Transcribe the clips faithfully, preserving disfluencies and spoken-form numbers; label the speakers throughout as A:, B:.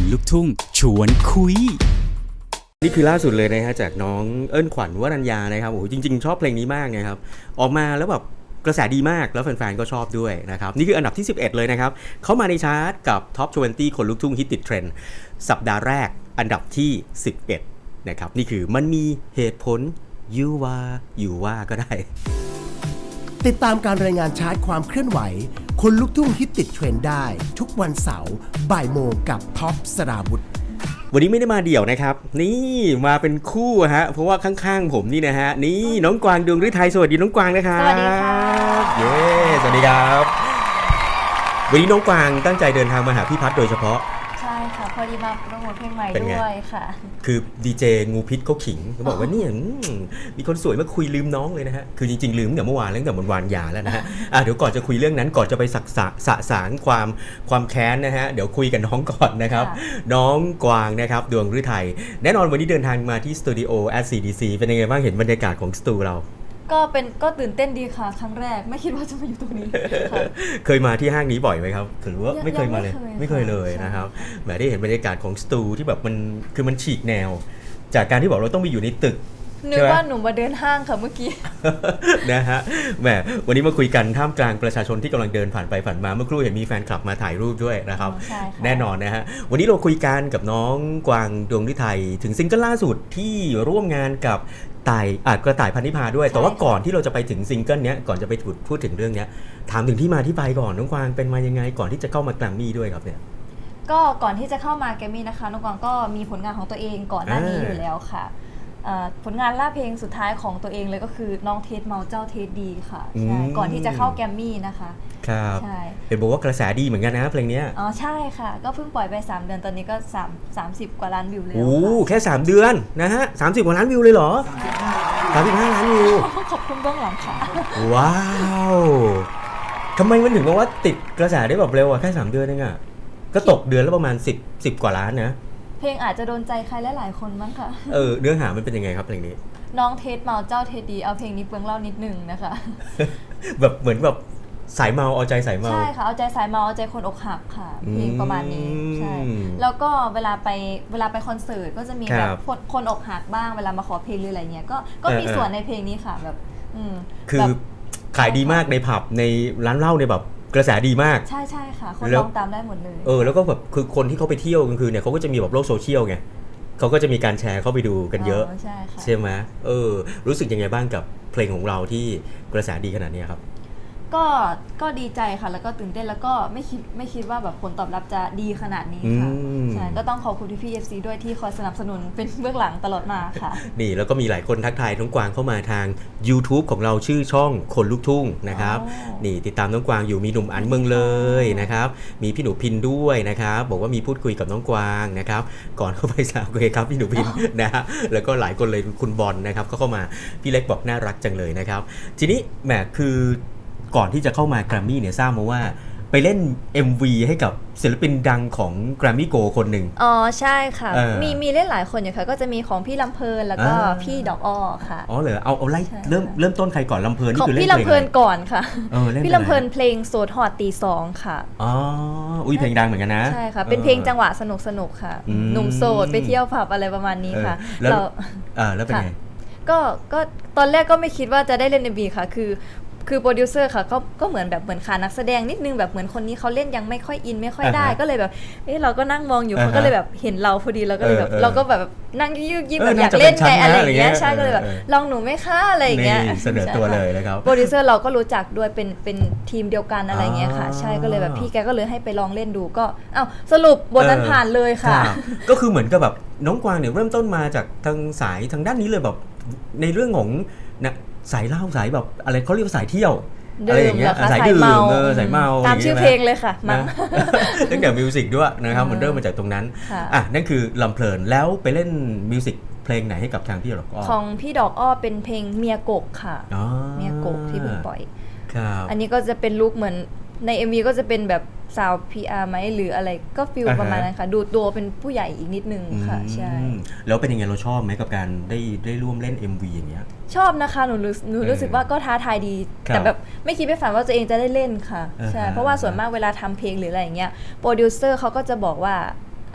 A: ลูกทุ่งชวนคุย
B: นี่คือล่าสุดเลยนะฮะจากน้องเอิ้นขวัญวรัญญานะครับโอ้โหจริงๆชอบเพลงนี้มากนะครับออกมาแล้วแบบกระแสดีมากแล้วแฟนๆก็ชอบด้วยนะครับนี่คืออันดับที่สิบเอ็ดเลยนะครับเข้ามาในชาร์ตกับท็อปยี่สิบคนลูกทุ่งฮิตติดเทรนด์สัปดาห์แรกอันดับที่สิบเอ็ดนะครับนี่คือมันมีเหตุผลยูว่าอยู่ว่าก็ได้
C: ติดตามการรายงานชาร์ตความเคลื่อนไหวคนลูกทุ่งฮิตติดเทรนด์ได้ทุกวันเสาร์บ่ายโมงกับท็อปสราวุธ
B: วันนี้ไม่ได้มาเดี่ยวนะครับนี่มาเป็นคู่ฮะเพราะว่าข้างๆผมนี่นะฮะนี่น้องกวางดวงฤทัยสวัสดีน้องกวางนะครับ
D: สวัสดีค่ะ
B: เย้สวัสดีครับวันนี้น้องกวางตั้งใจเดินทางมาหาพี่พัฒน์โดยเฉพาะ
D: ใช่ค่ะพอดีมาโปรโมทเพลงใหม่ด้วยค่ะ
B: คือดีเจงูพิษเขาขิงเขาบอกว่าเนี่ยมีคนสวยมาคุยลืมน้องเลยนะฮะคือจริงๆลืมตั้งแต่เมื่อวานแล้วตั้งแต่วันวานยาแล้วนะฮะอ่ะเดี๋ยวก่อนจะคุยเรื่องนั้นก่อนจะไปสักสะสะสางความความแค้นนะฮะเดี๋ยวคุยกับน้องก่อนนะครับน้องกวางนะครับดวงฤทัยแน่นอนวันนี้เดินทางมาที่สตูดิโอ แอท ซี ดี ซี เป็นยังไงบ้างเห็นบรรยากาศของสตูเรา
D: ก็เป็นก็ตื่นเต้นดีค่ะครั้งแรกไม่คิดว่าจะมาอยู่ตรงนี้
B: เคยมาที่ห้างนี้บ่อยไหมครับหรือว่าไม่เคยมาเลยไม่เคยเลยนะครับแหมได้เห็นบรรยากาศของสตูที่แบบมันคือมันฉีกแนวจากการที่บอกเราต้องไปอยู่ในตึก
D: นึกว่าหนูมาเดินห้างค่ะเมื่อกี้
B: นะฮะแหมวันนี้มาคุยกันท่ามกลางประชาชนที่กำลังเดินผ่านไปผ่านมาเมื่อครู่เห็นมีแฟนคลับมาถ่ายรูปด้วยนะครับแน่นอนนะฮะวันนี้เราคุยกันกับน้องกวางดวงฤทัยถึงซิงเกิลล่าสุดที่ร่วมงานกับต่ายอาจกระต่ายพันธิพาด้วยแต่ว่าก่อนที่เราจะไปถึงซิงเกิลเนี้ยก่อนจะไปพูดถึงเรื่องเนี้ยถามถึงที่มาที่ไปก่อนน้องกวางเป็นมายังไงก่อนที่จะเข้ามาแกรมมี่ด้วยครับเนี่ย
D: ก็ก่อนที่จะเข้ามาแกรมมี่นะคะน้องกวางก็มีผลงานของตัวเองก่อนหน้านี้อยู่แล้วค่ะผลงานล่าเพลงสุดท้ายของตัวเองเลยก็คือน้องเทสเมาเจ้าเทสดีค่ะใช่ก่อนที่จะเข้าแกรมมี่นะคะ
B: ครับใช่เห็นบอกว่ากระแสดีเหมือนกันนะเพลงนี้
D: อ๋อใช่ค่ะก็เพิ่งปล่อยไปสามเดือนตอนนี้ก็3 30กว่าล้านวิวแล้ว
B: โอ้แค่สามเดือนนะฮะสามสิบกว่าล้านวิวเลยเหรอสามสิบห้าล้านวิว
D: ขอบคุณเบื้องหลังค่ะ
B: ว้าวทำไมมันถึงบอกว่าติดกระแสได้แบบเร็วอ่ะแค่สามเดือนเองอ่ะก็ตกเดือนละประมาณสิบ สิบกว่าล้านนะ
D: เพลงอาจจะโดนใจใครหลายๆคนมั้งค่ะ
B: เออเนื้อหามันเป็นยังไงครับเพลงนี้
D: น้องเทสเมาเจ้าเทสดีเอาเพลงนี้เปลืองเล่านิดนึงนะคะ
B: แบบเหมือนแบบสายเมาเอาใจสายเมา
D: ใช่ค่ะเอาใจสายเมาเอาใจคนอกหักค่ะเพลงประมาณนี้ใช่แล้วก็เวลาไปเวลาไปคอนเสิร์ตก็จะมีแบบคนคนอกหักบ้างเวลามาขอเพลงหรืออะไรเงี้ยก็ก็มีส่วนในเพลงนี้ค่ะแบบ
B: คือขายดีมากในผับในร้านเหล้าในแบบกระแสดีมาก
D: ใช่ใช่ค่ะคนร้องตามได้หมดเลย
B: เออแล้วก็แบบคือคนที่เขาไปเที่ยวกลางคืนเนี่ยเขาก็จะมีแบบโลกโซเชียลไงเขาก็จะมีการแชร์เข้าไปดูกันเยอะ
D: ใช่ค่ะ
B: ใช่ไหมเออรู้สึกยังไงบ้างกับเพลงของเราที่กระแสดีขนาดนี้ครับ
D: ก็ก็ดีใจค่ะแล้วก็ตื่นเต้นแล้วก็ไม่คิดไม่คิดว่าแบบผลตอบรับจะดีขนาดนี้ค่ะใช่ก็ต้องขอบคุณพี่ เอฟ ซี ด้วยที่คอยสนับสนุนเป็นเบื้องหลังตลอดมาค่ะ
B: นี่แล้วก็มีหลายคนทักทายน้องกวางเข้ามาทาง YouTube ของเราชื่อช่องคนลูกทุ่งนะครับนี่ติดตามน้องกวางอยู่มีหนุ่มอันเมืองเลยนะครับมีพี่หนูพินด้วยนะครับบอกว่ามีพูดคุยกับน้องกวางนะครับก่อนเข้าไปสาวโอเคครับพี่หนูพินนะฮะแล้วก็หลายคนเลยคุณบอลนะครับก็เข้ามาพี่เล็กบอกน่ารักจังเลยนะครับทีนี้แหมคือก่อนที่จะเข้ามาแกรมมี่เนี่ยทราบมาว่าไปเล่น เอ็ม วี ให้กับศิลปินดังของแกรมมี่โกคนหนึ่ง
D: อ๋อใช่ค่ะมีมีเล่นหลายคนอยู่ค่ะก็จะมีของพี่ลำเพลินแล้วก็พี่ดอกอ้อค่ะ
B: อ๋อเหรอเอาเอาไล่เริ่มเริ่มต้นใครก่อนลำเพลินนี่คือเล่น
D: เพลงของพี่ลำเพลินก่อนค่ะพี่ลำเพลิน
B: เพ
D: ลงโสดฮอดตีสองค่ะ
B: อ๋ออุ้ยเพลงดังเหมือนกันนะ
D: ใช่ค่ะเป็นเพลงจังหวะสนุกสนุกค่ะหนุ่มโสดไปเที่ยวผับอะไรประมาณนี้ค่ะ
B: แล้วอ่าแล้วเป็นไง
D: ก็ก็ตอนแรกก็ไม่คิดว่าจะได้เล่น เอ็ม วี ค่ะคือคือโปรดิวเซอร์ค่ะก็ก็เหมือนแบบเหมือนขานักแสดงนิดนึงแบบเหมือนคนนี้เขาเล่นยังไม่ค่อยอินไม่ค่อยได้ก็เลยแบบเออเราก็นั่งมองอยู่เขาก็เลยแบบเห็นเราพอดีเราก็เลยแบบเราก็แบบนั่งยืดยิ้มแบบอยากเล่นไงอะไรอย่างเงี้ยใช่ก็เลยแบบลองหนูไหมคะอะไรอย่างเงี้ย
B: เสนอตัวเลยนะครับ
D: โปรดิวเซอร์เราก็รู้จักด้วยเป็นเป็นทีมเดียวกันอะไรเงี้ยค่ะใช่ก็เลยแบบพี่แกก็เลยให้ไปลองเล่นดูก็เอ้าสรุปบทนั้นผ่านเลยค่ะ
B: ก็คือเหมือนกับแบบน้องกวางเนี่ยเริ่มต้นมาจากทางสายทางด้านนี้เลยแบบในเรื่องของนะสายเล่าสายแบบอะไรเขาเรียกว่าสายเที่ยวอะไรอย่างเงี้ยสายดื่มเออสายเมา
D: ตามชื่อเพลงเลยค่ะมั้ง
B: ตั้งแต่มิวสิกด้วยนะครับมันเริ่มมาจากตรงนั้นอ่ะนั่นคือลำเพลินแล้วไปเล่นมิวสิกเพลงไหนให้กับทางพี่ดอกอ้อ
D: ของพี่ดอกอ้อเป็นเพลงเมียกกค่ะเมียกกที่เพิ่งปล่อยอันนี้ก็จะเป็นลุคเหมือนใน เอ็ม วี ก็จะเป็นแบบสาว พี อาร์ ไหมหรืออะไรก็ฟิลประมาณนั้นค่ะดูตัวเป็นผู้ใหญ่อีกนิดนึงค่ะใช่
B: แล้วเป็นยังไงเราชอบไหมกับการได้ได้ร่วมเล่น เอ็ม วี อย่างเงี้ย
D: ชอบนะคะหนูรู้หนูรู้สึกว่าก็ท้าทายดีแต่แบบไม่คิดไม่ฝันว่าตัวเองจะได้เล่นค่ะใช่เพราะว่าส่วนมากเวลาทำเพลงหรืออะไรอย่างเงี้ยโปรดิวเซอร์เขาก็จะบอกว่า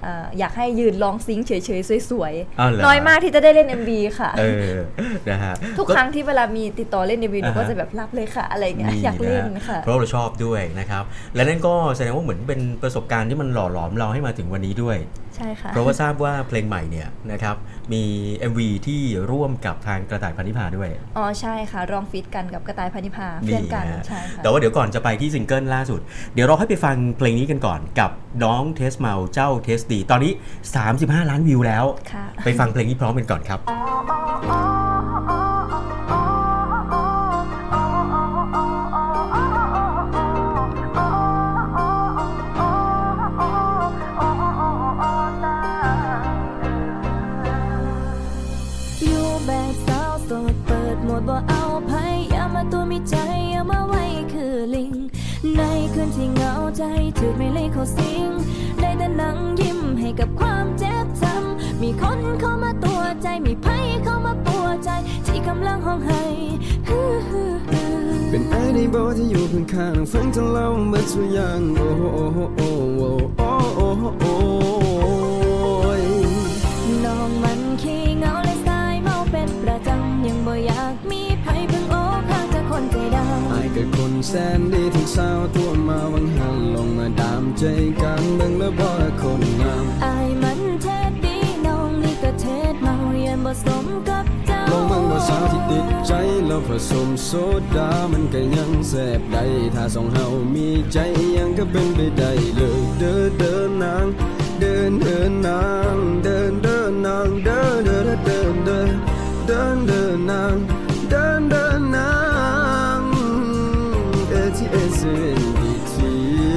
D: เอ่ออยากให้ยืนร้องซิงค์เฉยๆสวย
B: อ้าวเหรอ
D: ๆน้อยมากที่จะได้เล่น เอ็ม วี ค่ะ
B: เออนะฮะ
D: ทุกครั้งที่เวลามีติดต่อเล่น เอ็ม วี หนู
B: อ่าฮะ
D: ก็จะแบบรับเลยค่ะอะไรเงี้ย
B: นี่
D: อยากเล่น
B: นะ
D: ค่ะ
B: เพราะเราชอบด้วยนะครับ และนั่นก็แสดงว่าเหมือนเป็นประสบการณ์ที่มันหล่อหลอมเราให้มาถึงวันนี้ด้วย
D: ใช่ค่ะ
B: เพราะว่าทราบว่าเพลงใหม่เนี่ยนะครับมี เอ็ม วี ที่ร่วมกับทางกระต่ายพันธิพาด้วย
D: อ๋อใช่ค่ะร้องฟีดกันกับกระต่ายพันธิพาเพื่อนกัน
B: ฮะ
D: ใช่ค่ะ
B: แต่ว่าเดี๋ยวก่อนจะไปที่ซิงเกิลล่าสุด เดี๋ยวเราให้ไปฟังเพลงนี้กันก่อนกับน้องเทสเมาเจ้าเทสดีตอนนี้สามสิบห้าล้านวิวแล้ว
D: ค่ะ
B: ไปฟังเพลงนี้พร้อมกันก่อนครับ
E: อยู่แบบสาวโสดเปิดโหมดบ่เอาไผอย่ามาตัวมีใจอย่ามาไว้คือลิง ในคืนที่เหงาใจถูกไม่เลยเขาสิง ได้แต่นั่งยิ้มให้กับความเจ็บช้ำมีคนเข้ามาตัวใจมีไผเข้ามาปัวใจที่กำลังห้องไห้ฮือฮือฮือ
F: เป็นไอ้ได้บอกที่อยู่ข้างๆฟังทั้งเราเมื่อสุดอย่างโอ้โอ้โอ้โอ้โอ้โอ้โอ้ย
E: น้องมันขี้เหงาและสายเมาเป็นประจำยังบ่อยากมีไผเพิ่งโอ้ข้างจากคนใจดำ
F: ไอ้กับคนแสนดีทั้งสาวตัวมาวังหันลงมาดามใจกันเบิ่งแล้วบ่ละคนงาม
E: อายมันเทศดีน้องนี่ก็เทศเมาเย็นบ่สมกับเจ้า
F: ลองเบิ่งบ่สาวที่ติดใจแล้วผสมโซดามันก็ยังแซ่บได้ถ้าสองเฮามีใจยังก็เป็นไปได้เลยเดินเดินนางเดินเดินนางเดินเดินนางเดินเดินเดินเดินเดินเดินนางเดินเดินนางเอทีเอสเอ็นดีที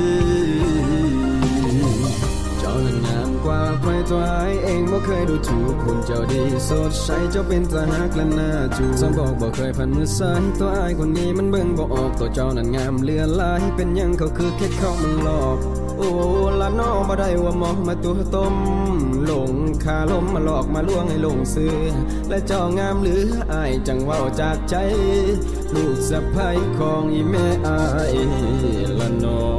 F: เจ้านั้นงามกว่าใครตัวไอายเองบ่เคยดูถูกคุณเจ้าดีสดใสเจ้าเป็นตาฮักและน่าจูบสองบอกบ่เคยผ่านมือซ้ายตัวไอายคนนี้มันเบิ่งบ่ออกตัวเจ้านั้นงามเลือนลายเป็นหยังเขาคือแค่เขามันหลอกโอ้ละน้อบ่ได้ว่าหมอมาตัวต้มหลงคาลมมาหลอกมาลวงให้หลงเสือและเจ้างามเหลืออายจังเว้าจากใจลูกสะใภ้ของอีแม่อายละน้อ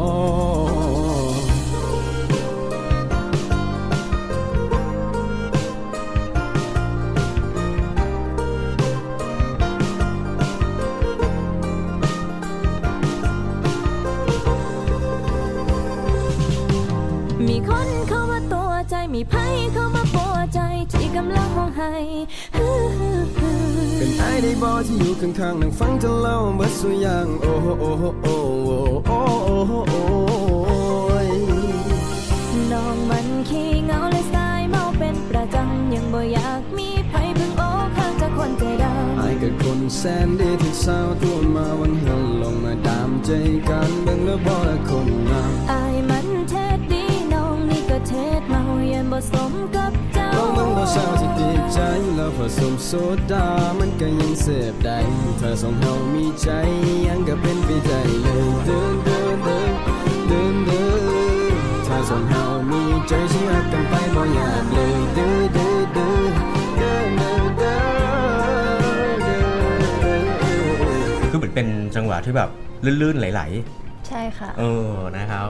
E: มีคนเข้ามาตัวใจมีไผเข้ามาปัวใจที่กำลังห้องไห้ฮือฮือฮือ
F: เป็นไอ้ได้บอที่อยู่ข้างๆนั่งฟังเธอเล่าเบิดสุอย่างโอ้โหโอ้โหโอ้โหโอ้โหโอ้โหโอ้ย
E: น้องมันขี้เหงาและสายเมาเป็นประจำยังบ่อยากมีไผเพิ่งโอ้ข้างจากคนใจดำ
F: ไอ้กับคนแสนดีที่สาวตัวมาวันเฮลลงมาดามใจกันเบิ่งแล้วบ่ละคนงาม
E: อายมันเทศดีน้องนี่ก็เทศเมาเย็นบ่สมกับเจ้า
F: ลองเบิ่งบ่สาวที่ติดใจแล้วผสมโซดามันก็ยังเสพได้ถ้าสองเฮามีใจยังก็เป็นไปได้เลยเดินเดินเดินเดินเดินถ้าสองเฮามีใจสิรักกันไปบ่อยากเลยเดินเดินเดินเดินเดินเดินเดิน
B: คือเหมือนเป็นจังหวะที่แบบลื่นๆไหล
D: ใช่ค่ะ
B: ๆเออนะครับ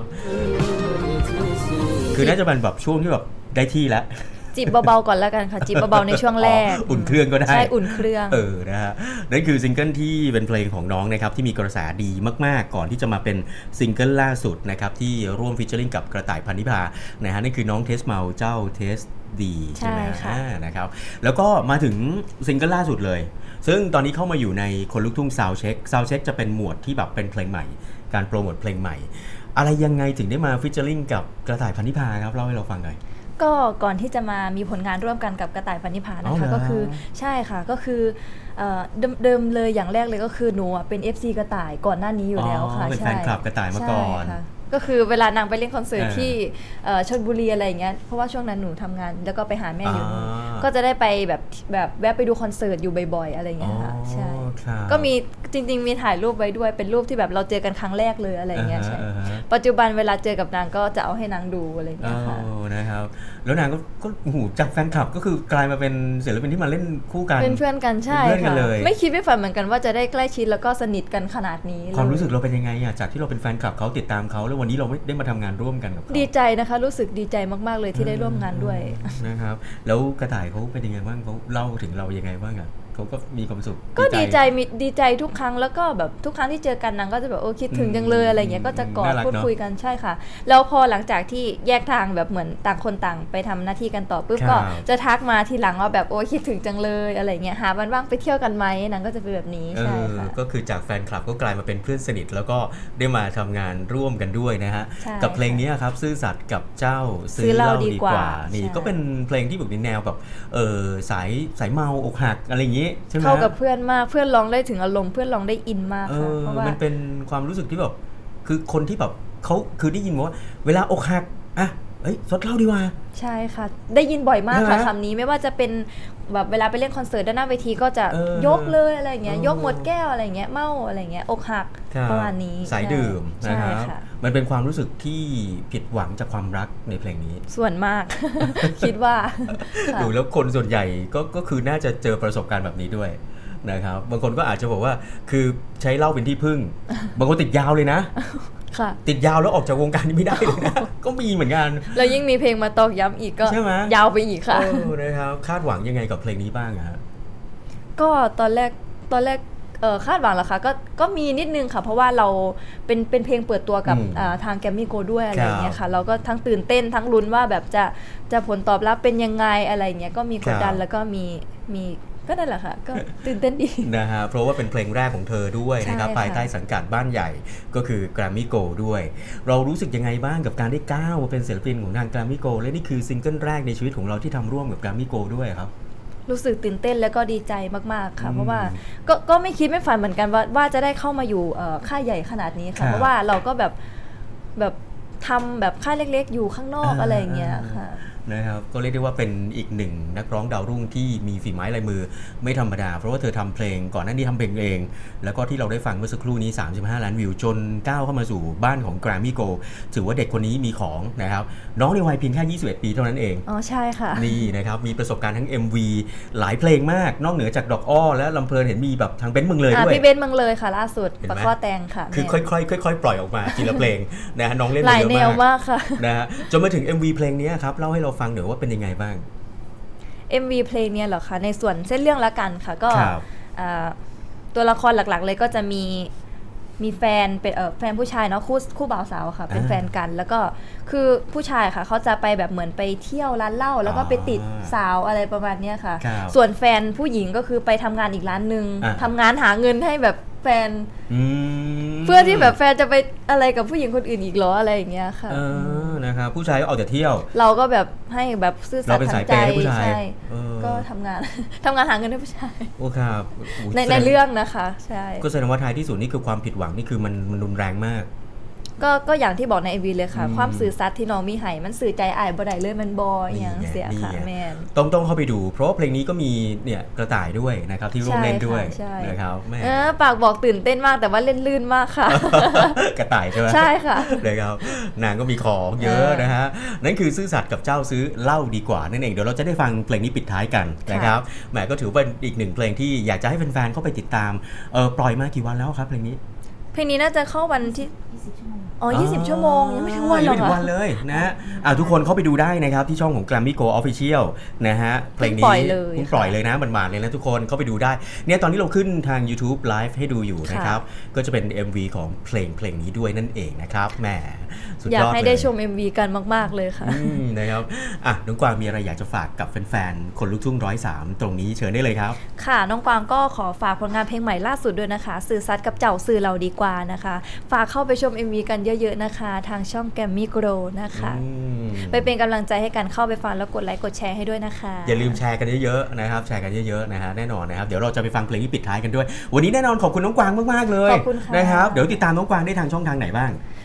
B: คือน่าจะเป็นแบบช่วงที่แบบได้ที่แล้ว
D: จีบเบาๆก่อนแล้วกันค่ะ จีบเบาๆในช่วงแรก
B: อ๋ออุ่นเครื่องก็ได้
D: ใช่อุ่นเครื่อง
B: เออ นะฮะ นั่นคือซิงเกิลที่เป็นเพลงของน้องนะครับที่มีกระแสดีมากๆ ก่อนที่จะมาเป็นซิงเกิลล่าสุดนะครับที่ร่วมฟีเจอริ่งกับกระต่ายพันธิพา นะฮะนั่นคือน้องเทสเมาเจ้าเทสดีใช่ไหม
D: ใช่ค่ะ
B: อ่านะครับ แล้วก็มาถึงซิงเกิลล่าสุดเลย ซึ่งตอนนี้เข้ามาอยู่ในคนลุกทุ่งซาวเช็คซาวเช็คจะเป็นหมวดที่แบบเป็นเพลงใหม่ การโปรโมทเพลงใหม่ อะไรยังไงถึงได้มาฟีเจอริ่งกับกระต่ายพันธิพาครับเล่าให้เราฟังหน่อย
D: ก็ก่อนที่จะมามีผลงานร่วมกันกับกระต่ายพันธิพา
B: อ๋
D: นะ
B: อเหร
D: คะ
B: อ
D: ก็คือใช่ค่ะก็คือเอ่อเดิมเดิมเลยอย่างแรกเลยก็คือหนูอะเป็น เอฟ ซี กระต่ายก่อนหน้านี้อยู่แล้วค่ะ
B: อ๋อเป็น
D: ใช่
B: แฟนคลับกระต่ายมาก่อน
D: ใช่ค่ะก็คือเวลานางไปเล่นคอนเสิร์ต
B: เออ
D: ที่เอ่อชลบุรีอะไรอย่างเงี้ยเพราะว่าช่วงนั้นหนูทำงานแล้วก็ไปหาแม่อยู่นู่น
B: อ่า
D: ก็จะได้ไปแบบแบบแวะไปดูคอนเสิร์ตอยู่บ่อยๆอะไรอย่างเงี้ยค่ะ
B: อ๋อ
D: ใช่
B: ครับ
D: ก็มีจริงๆมีถ่ายรูปไว้ด้วยเป็นรูปที่แบบเราเจอกันครั้งแรกเลยอะไรเงี้ยใช่
B: อ่าฮะ
D: ปัจจุบันเวลาเจอกับนางก็จะเอาให้นางดูอะไรเงี้ยค่ะ
B: อ๋อนะครับแล้วนางก็ก็โอ้โหจากแฟนคลับก็คือกลายมาเป็นศิลปินที่มาเล่นคู่กัน
D: เป็นเพื่อนกันใช่
B: เป็นเพื่อนกัน
D: ค่ะ
B: เลย
D: ไม่คิดไม่ฝันเหมือนกันว่าจะได้ใกล้ชิดแล้วก็สนิทกันขนาดนี้เลย
B: ความรู้สึกเราเป็นยังไงอะจากที่เราเป็นแฟนคลับเขาติดตามเขาแล้ววันนี้เราไม่ได้มาทำงานร่วมกันกับเขา
D: ดีใจนะคะรู้สึกดีใจมากๆเลยที่ได้ร่วมงานด้วย
B: นะครับแล้วกระต่ายเขาเป็นยังไงบ้างเขาเล่าถึงเรายังไงบ้างอะเขาก็มีความสุข
D: ก็ดีใจมีดีใจทุกครั้งแล้วก็แบบทุกครั้งที่เจอกันนางก็จะแบบโอ้คิดถึงจังเลยอะไรเงี้ยก็จะกอด
B: น่ารัก
D: พูด
B: เนอะ
D: คุยกันใช่ค่ะแล้วพอหลังจากที่แยกทางแบบเหมือนต่างคนต่างไปทำหน้าที่กันต่อปุ๊บ
B: ครับ
D: ก็จะทักมาทีหลังว่าแบบโอ้คิดถึงจังเลยอะไรเงี้ยหาวันว่างไปเที่ยวกันไหมนางก็จะเป็นแบบนี้
B: เอ
D: ใช่
B: อ
D: ค่ะ
B: ก็คือจากแฟนคลับก็กลายมาเป็นเพื่อนสนิทแล้วก็ได้มาทำงานร่วมกันด้วยนะฮะ
D: ใช่
B: กับเพลงนี้ครับซื่อสัตย์กับเจ้า
D: ซื้อเหล้าดีกว่า
B: นี่
D: ใช่
B: ก็เป็นเพลงที่แบบในแนวแบบเออสายสายเมาอกหักอะไรอย่างงี้ใช่ไหม
D: เข้ากับเพื่อนมากเพื่อนร้องได้ถึงอารมณ์เพื่อนร้องได้อินมาก
B: เอ
D: ค่ะ
B: อ
D: เพราะว่า
B: มันเป็นความรู้สึกที่แบบคือคนที่แบบเขาคือได้ยินว่าเวลาอกหักอ่ะเอ้ยสดเหล้าดีกว่า
D: ใช่ค่ะ ได้ยินบ่อยมากค่ะ
B: ใช่ไหม
D: คำนี้ไม่ว่าจะเป็นแบบเวลาไปเล่นคอนเสิร์ตด้านหน้าเวทีก็จะ
B: เออย
D: กเลยอะไรเงี้ย
B: เออย
D: กหมดแก้วอะไรเงี้ยเมาอะไรเงี้ยอกหัก
B: ครับ
D: ประมาณนี้
B: สายดื่ม
D: ใช่
B: นะครับ
D: ค่ะ
B: มันเป็นความรู้สึกที่ผิดหวังจากความรักในเพลงนี้
D: ส่วนมาก คิดว่าค่ะ
B: ดูแล้วคนส่วนใหญ่ก็ก็คือน่าจะเจอประสบการณ์แบบนี้ด้วยนะครับบางคนก็อาจจะบอกว่าคือใช้เหล้าเป็นที่พึ่ง บางคนติดยาวเลยนะ
D: ค่ะ
B: ติดยาวแล้วออกจากวงการนี้ไม่ได้เลยนะ ก็มีเหมือนกัน
D: แล้วยิ่งมีเพลงมาตอกย้ำอีกก็
B: ใช่ไหม
D: ยาวไปอีกค่ะ
B: เออนะครับคาดหวังยังไงกับเพลงนี้บ้างอะฮะ
D: ก็ตอนแรกตอนแรกเออคาดหวังเหรอคะก็ก็มีนิดนึงค่ะ เพราะว่าเราเป็นเป็นเพลงเปิดตัวกับ
B: อืม
D: อ่าทางแกรมมี่โกด้วยอะไร
B: ครับ
D: อย่างเงี้ยค่ะ เราก็ทั้งตื่นเต้นทั้งลุ้นว่าแบบจะจะผลตอบรับเป็นยังไงอะไรเงี้ยก็มีกดดัน
B: ครับ
D: แล้วก็มีมีก็นั่นแหละค่ะ ก็ตื่นเต้นดี
B: นะฮะเพราะว่าเป็นเพลงแรกของเธอด้วยนะครับ
D: ใช่ค่ะ
B: ภายใต้สังกัดบ้านใหญ่ก็คือ Grammy Go ด้วย เรารู้สึกยังไงบ้างกับการได้ก้าวมาเป็นศิลปินของทาง Grammy Go และนี่คือซิงเกิลแรกในชีวิตของเราที่ทำร่วมกับ Grammy Go ด้วยครับ
D: รู้สึกตื่นเต้นแล้วก็ดีใจมากๆค่ะ
B: อืม
D: เพราะว่าก็ก็ไม่คิดไม่ฝันเหมือนกันว่าว่าจะได้เข้ามาอยู่เอ่อค่ายใหญ่ขนาดนี้
B: ครั
D: ค่ะ
B: บ
D: เพราะว่าเราก็แบบแบบทำแบบค่ายเล็กๆ อยู่ข้างนอก
B: อ่า
D: อะไรอย่างเงี้ยค่ะ
B: นะครับก็เรียกได้ว่าเป็นอีกหนึ่งนักร้องดาวรุ่งที่มีฝีไม้ลายมือไม่ธรรมดา เพราะว่าเธอทำเพลงก่อนหน้านี้ทำเพลงเอง แล้วก็ที่เราได้ฟังเมื่อสักครู่นี้สามสิบห้าล้านวิวจนก้าวเข้ามาสู่บ้านของ Grammy Go ถือว่าเด็กคนนี้มีของนะครับน้องในวัยเพียงแค่ยี่สิบเอ็ดปีเท่านั้นเอง
D: อ๋อใช่ค่ะ
B: นี่นะครับมีประสบการณ์ทั้ง เอ็ม วี หลายเพลงมากนอกเหนือจากดอกอ้อและลำเพลินเห็นมีแบบทางเบนซ์เมืองเลย
D: อ่ะ
B: ด้วย
D: พี่เบนซ์เมืองเลยค่ะล่าสุด
B: เห็นไหม
D: ปะข้อแตงค่ะ
B: คือ
D: แม่
B: ค่อยๆค่อยๆปล่อยออกมาทีละเพลงนะฮะน้องเล่น
D: ห
B: มา
D: ลาย
B: เยอะ
D: แนว
B: มาก
D: มากค่ะ
B: นะฮะจนมาถึง เอ็ม วี เพลงนี้ครับเล่าให้เราฟังหน่อยว่าเป็นยังไงบ้าง
D: เอ็ม วี เพลงเนี่ยเหรอคะในส่วนเส้นเรื่องละกันค่ะก็
B: ครับ
D: อ่าตัวละครหลักๆ เลยก็จะมีมีแฟนเป็นเออแฟนผู้ชายเนาะคู่คู่บ่าวสาวค่ะเป็น
B: อ่า
D: แฟนกัน แล้วก็คือผู้ชายค่ะเขาจะไปแบบเหมือนไปเที่ยวร้านเหล้าแล้วก็ไปติด
B: อ่า
D: สาวอะไรประมาณเนี้ยค่ะ
B: ครับ
D: ส่วนแฟนผู้หญิงก็คือไปทำงานอีกร้านหนึ่ง
B: อ่า
D: ทำงานหาเงินให้แบบแฟน
B: อืม
D: เพื่อที่แบบแฟนจะไปอะไรกับผู้หญิงคนอื่นอีกเหรออะไรอย่างเงี้ยค่ะ
B: เออนะครับผู้ชายก็เอาแต่เที่ยว
D: เราก็แบบให้แบบซื่อสัต
B: เราเป็น
D: ย์
B: สา
D: ทาย ง
B: เป
D: ใจ
B: ย์ให้ผู้ชาย
D: ใช่
B: เออ
D: ก็ทำงาน ทำงานหาเงินให้ผู้ชาย
B: โอ้ครับโอ้
D: ใน
B: แสด
D: ในเรื่องนะคะใช่
B: ก็แสดงว่าท้ายที่สุดนี่คือความผิดหวังนี่คือมันมันรุนแรงมาก
D: ก็ก็อย่างที่บอกใน เอ็ม วี เลยค่ะ
B: อืม
D: ความสื่อสัตย์ที่น้องมีให้มันสื่อใจอ้ายบ่ได้เลยมันบออย่างเสียค่ะ
B: นี่ไง
D: แมน
B: ต้องต้องเข้าไปดู เพราะว่าเพลงนี้ก็มีเนี่ยกระต่ายด้วยนะครับที่ร่วมเล่นด้วย
D: ใช่ค่ะใช่
B: นะครับแม่
D: เออปากบอกตื่นเต้นมากแต่ว่าเล่นลื่นมากค่ะ
B: กระต่ายใช่ไหม
D: ใช่ค่ะ
B: นะครับนางก็มีของเยอะ
D: เออ
B: นะฮะนั่นคือซื่อสัตย์กับเจ้าซื้อเหล้าดีกว่านั่นเองเดี๋ยวเราจะได้ฟังเพลงนี้ปิดท้ายกันนะครับแหมก็ถือเป็นอีกหนึ่งเพลงที่อยากจะให้แฟนๆเข้าไปติดตามเออปล่อยมากี่วันแล้วครับเพลงนี้
D: เพลงนี้น่าจะเข้าวันที่อ๋อยี่สิบชั่วโมงยังไม่ถึงวันหร
B: ยั
D: อก
B: ไม่ถึง
D: ค่ะ
B: วันเลยนะฮะอ่ะทุกคนเข้าไปดูได้นะครับที่ช่องของ Grammy Go Official นะฮะเพลงนี้
D: เพิ่งปล่อยเลย
B: เพิ่งปล่อยเลยนะหมาดๆเลยนะทุกคนเข้าไปดูได้เนี่ยตอนนี้เราขึ้นทาง YouTube Live ให้ดูอยู่นะครับก็จะเป็น เอ็ม วี ของเพลงเพลงนี้ด้วยนั่นเองนะครับแหมสุด
D: อยาย ก
B: อด
D: ให้
B: เลย
D: ได้ชม เอ็ม วี กันมากๆเลยค่ะ
B: อืมนะครับอ่ะน้องกวางมีอะไรอยากจะฝากกับแฟนๆคนลูกทุ่งร้อยสามตรงนี้เชิญได้เลยครับ
D: ค่ะน้องกวางก็ขอฝากผลงานเพลงใหม่ล่าสุดด้วยนะคะสื่อสัตย์กับเจ้าสื่อเราดีกว่านะคะฝากเข้าไปชม เอ็ม วี กันเยอะๆนะคะทางช่องแกรมมี่โกลนะคะ
B: อืม
D: ไปเป็นกำลังใจให้กันเข้าไปฟังแล้วกดไลค์กดแชร์ให้ด้วยนะคะ
B: อย่าลืมแชร์กันเยอะๆนะครับแชร์กันเยอะๆนะฮะแน่นอนนะครับเดี๋ยวเราจะไปฟังเพลงที่ปิดท้ายกันด้วย วันนี้แน่นอนขอบคุณน้องกวางมากๆเลย
D: ขอบคุณค่ะ
B: นะครับเดี๋ยวติดตามน้องกวางได้ทางช่องทางไหนบ้าง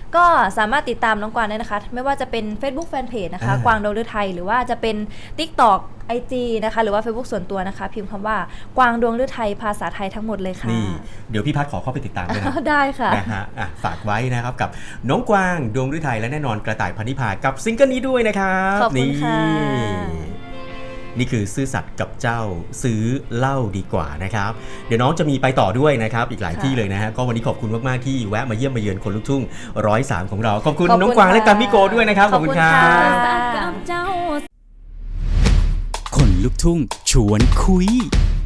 D: ก็สามารถติดตามน้องกวางได้นะคะ ไม่ว่าจะเป็น Facebook Fanpage นะคะ
B: อ่าก
D: วางดวงฤทัยหรือว่าจะเป็น TikTok ไอ จี นะคะหรือว่า Facebook ส่วนตัวนะคะ พิมพ์คำว่ากวางดวงฤทัยภาษาไทยทั้งหมดเลยค่ะ
B: นี่เดี๋ยวพี่พัดขอเข้าไปติดตามด้วยนะ
D: ได้ค่ะ
B: นะฮะอ่ะฝากไว้นะครับกับน้องกวางดวงฤทัยและแน่นอนกระต่ายพันธิพากับซิงเกิลนี้ด้วยนะครับ
D: ขอบคุณค่ะ
B: นี่นี่คือซื่อสัตย์กับเจ้าซื้อเหล้าดีกว่านะครับเดี๋ยวน้องจะมีไปต่อด้วยนะครับอีกหลายที่เลยนะฮะก็วันนี้ขอบคุณมากๆที่แวะมาเยี่ยมมาเยือนคนลูกทุ่งร้อยสามของเราขอบคุณ
D: ขอบคุณ
B: น้องกวางและ
D: ค่ะ
B: กัมมิโกด้วยนะครับขอบคุณครั
D: ขอบคุณ
B: บ
D: ค่ะ
E: กับเจ้า
A: คนลุกทุ่งชวนคุย